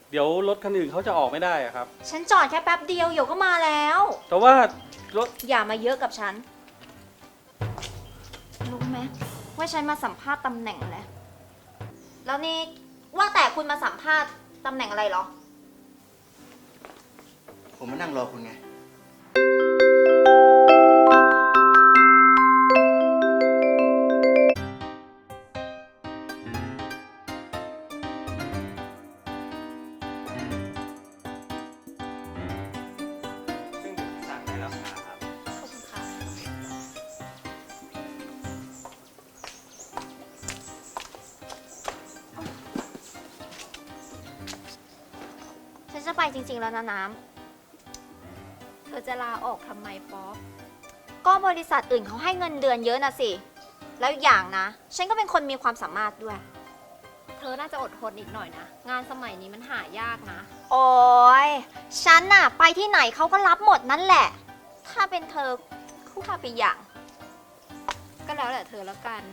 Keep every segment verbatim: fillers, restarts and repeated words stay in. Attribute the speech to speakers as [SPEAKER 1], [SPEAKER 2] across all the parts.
[SPEAKER 1] เดี๋ยวรถคันอื่นเขาจะออกไม่ได้อะครับ
[SPEAKER 2] ฉันจอดแค่แป๊บเดียวเดี๋ยวก็มาแล้ว
[SPEAKER 1] แต่ว่ารถ
[SPEAKER 2] อย่ามาเยอะกับฉันรู้ไหมว่าฉันมาสัมภาษณ์ตำแหน่งอะไรแล้วนี่ว่าแต่คุณมาสัมภาษณ์ตำแหน่งอะไรเหรอ
[SPEAKER 3] ผมมานั่งรอคุณไง
[SPEAKER 1] ซึ่งสั่งในราคาครับ
[SPEAKER 2] ขอบคุณค่ะฉันจะไปจริงๆแล้วนะน้ำเธอจะลาออกทำไมป๊อปก็บริษัทอื่นเขาให้เงินเดือนเยอะนะสิแล้วอย่างนะฉันก็เป็นคนมีความสามารถด้วย
[SPEAKER 4] เธอน่าจะอดทนอีกหน่อยนะงานสมัยนี้มันหายากนะ
[SPEAKER 2] โอ้ยฉันน่ะไปที่ไหนเขาก็รับหมดนั่นแหละถ้าเป็นเธอคู่พาไปอย่าง
[SPEAKER 4] ก็แล้วแต่เธอแล้วกัน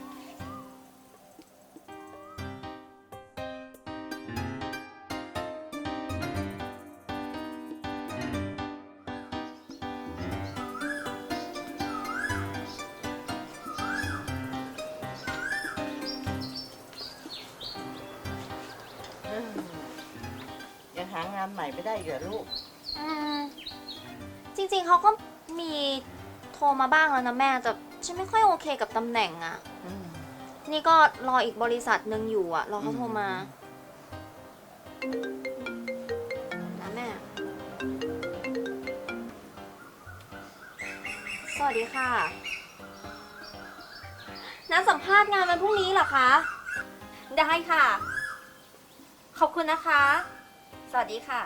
[SPEAKER 5] ยังหางานใหม่ไม่ได้เหรอลูก
[SPEAKER 2] อืมจริงๆเขาก็มีโทรมาบ้างแล้วนะแม่แต่ฉันไม่ค่อยโอเคกับตำแหน่งอะนี่ก็รออีกบริษัทหนึ่งอยู่อะรอเขาโทรมานะแม่สวัสดีค่ะนัดสัมภาษณ์งานวันพรุ่งนี้เหรอคะได้ค่ะขอบคุณนะคะสวัสดีค่ะ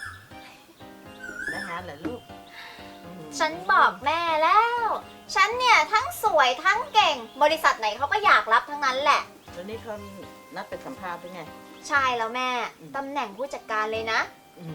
[SPEAKER 5] ได้งานเหรอลูก
[SPEAKER 2] ฉันบอกแม่แล้ว ฉันเนี่ยทั้งสวยทั้งเก่ง บริษัทไหนเขาก็อยากรับทั้งนั้นแหละ
[SPEAKER 5] แล้วนี่เขานัดไปสัมภาษณ์ด้วยไง
[SPEAKER 2] ใช่แล้วแม่ ตำแหน่งผู้จัดการเลยนะ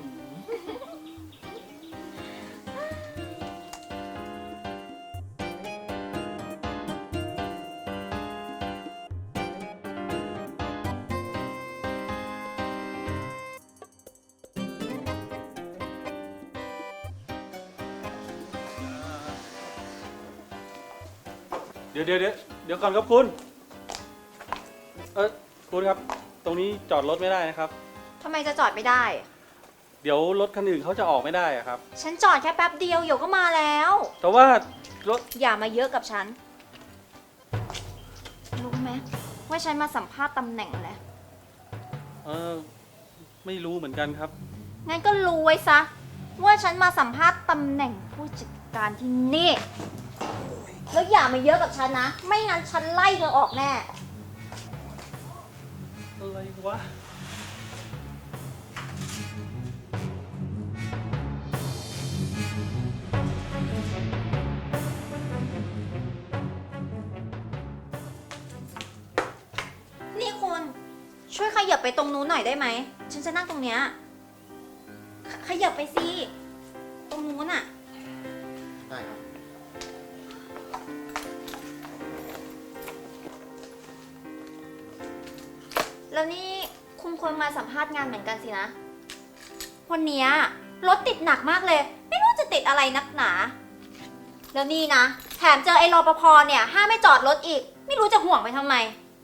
[SPEAKER 1] เดี๋ยวเดี๋ยวเดี๋ยวเดี๋ยวก่อนครับคุณเออคุณครับตรงนี้จอดรถไม่ได้นะครับ
[SPEAKER 2] ทำไมจะจอดไม่ได้
[SPEAKER 1] เดี๋ยวรถคันอื่นเขาจะออกไม่ได้อะครับ
[SPEAKER 2] ฉันจอดแค่แป๊บเดียวเดี๋ยวก็มาแล้ว
[SPEAKER 1] แต่ว่ารถ
[SPEAKER 2] อย่ามาเยอะกับฉันรู้ไหมว่าฉันมาสัมภาษณ์ตำแหน่งอะไร
[SPEAKER 1] เออไม่รู้เหมือนกันครับ
[SPEAKER 2] งั้นก็รู้ไว้ซะว่าฉันมาสัมภาษณ์ตำแหน่งผู้จัดการที่นี่แล้วอย่ามาเยอะกับฉันนะไม่งั้นฉันไล่เธอออกแน่
[SPEAKER 1] อะไรวะ
[SPEAKER 2] นี่คุณช่วยขยับไปตรงนู้นหน่อยได้ไหมฉันจะนั่งตรงเนี้ยขยับไปสิตรงนู้นอะ
[SPEAKER 3] ได้ครับ
[SPEAKER 2] แล้วนี่คุณควรมาสัมภาษณ์งานเหมือนกันสินะวันนี้รถติดหนักมากเลยไม่รู้จะติดอะไรนักหนาแล้วนี่นะแถมเจอไอ้รปภเนี่ยห้ามไม่จอดรถอีกไม่รู้จะห่วงไปทำไม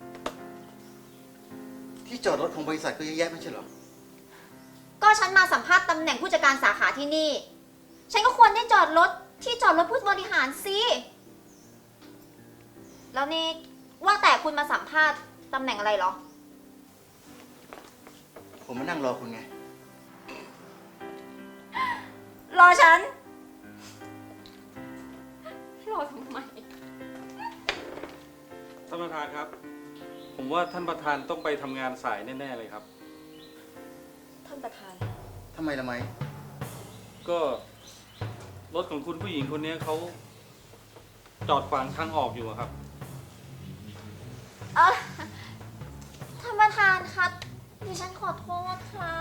[SPEAKER 3] ที่จอดรถของบริษัทก็เยอะแยะไม่ใช่เหรอ
[SPEAKER 2] ก็ฉันมาสัมภาษณ์ตำแหน่งผู้จัดการสาขาที่นี่ฉันก็ควรได้จอดรถที่จอดรถผู้บริหารสิแล้วนี่ว่าแต่คุณมาสัมภาษณ์ตำแหน่งอะไรเหรอ
[SPEAKER 3] ผมมานั่งรอคุณไง
[SPEAKER 2] รอฉันรอทำไม
[SPEAKER 1] ท่านประธานครับผมว่าท่านประธานต้องไปทำงานสายแน่ๆเลยครับ
[SPEAKER 2] ท่านประธาน
[SPEAKER 3] ทำไมละไม
[SPEAKER 1] ก็รถของคุณผู้หญิงคนนี้เขาจอดขวางทางออกอยู่ครับ
[SPEAKER 2] เออท่านประธานคะดิฉันขอโทษค่ะ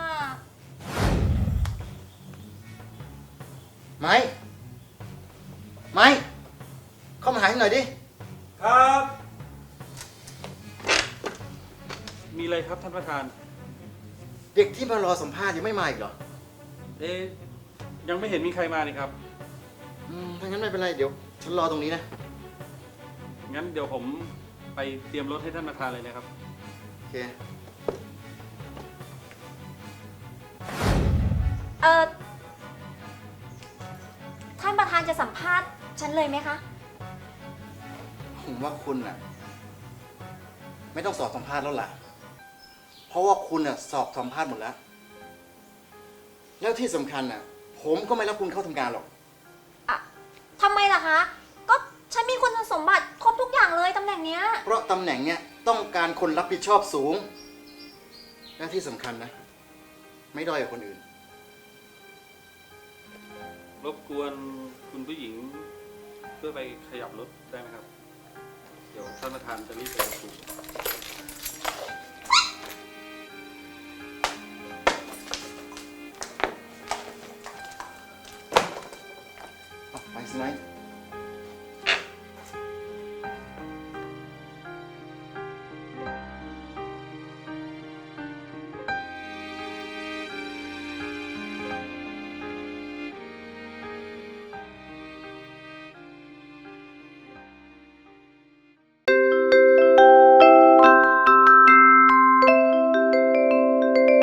[SPEAKER 3] ไม้ไม้เข้ามาหาหน่อยดิ
[SPEAKER 1] ครับมีอะไรครับท่านประธาน
[SPEAKER 3] เด็กที่มารอสัมภาษณ์ยังไม่มาอีกเหรอ
[SPEAKER 1] เอ๊ะยังไม่เห็นมีใครมานี่ครับ
[SPEAKER 3] อืมถ้างั้นไม่เป็นไร เดี๋ยวฉันรอตรงนี้นะ
[SPEAKER 1] งั้นเดี๋ยวผมไปเตรียมรถให้ท่านประธานเลยนะครับ
[SPEAKER 3] โอเค
[SPEAKER 2] เออท่านประธานจะสัมภาษณ์ฉันเลยไหมคะ
[SPEAKER 3] ผมว่าคุณน่ะ ไม่ต้องสอบสัมภาษณ์แล้วล่ะ เพราะว่าคุณน่ะสอบสัมภาษณ์หมดแล้ว แล้วที่สำคัญน่ะ ผมก็ไม่รับคุณเข้าทำงานหรอก
[SPEAKER 2] อะทำไมล่ะคะ ก็ฉันมีคุณสมบัติครบทุกอย่างเลยตำแหน่งเนี้ย
[SPEAKER 3] เพราะตำแหน่งเนี้ยต้องการคนรับผิดชอบสูง และที่สำคัญนะ ไม่ด้อยกว่าคนอื่น
[SPEAKER 1] รบกวนคุณผู้หญิงเพื่อไปขยับรถได้ไหมครับ เดี๋ยวท่านประธานจะรีบไปประชุม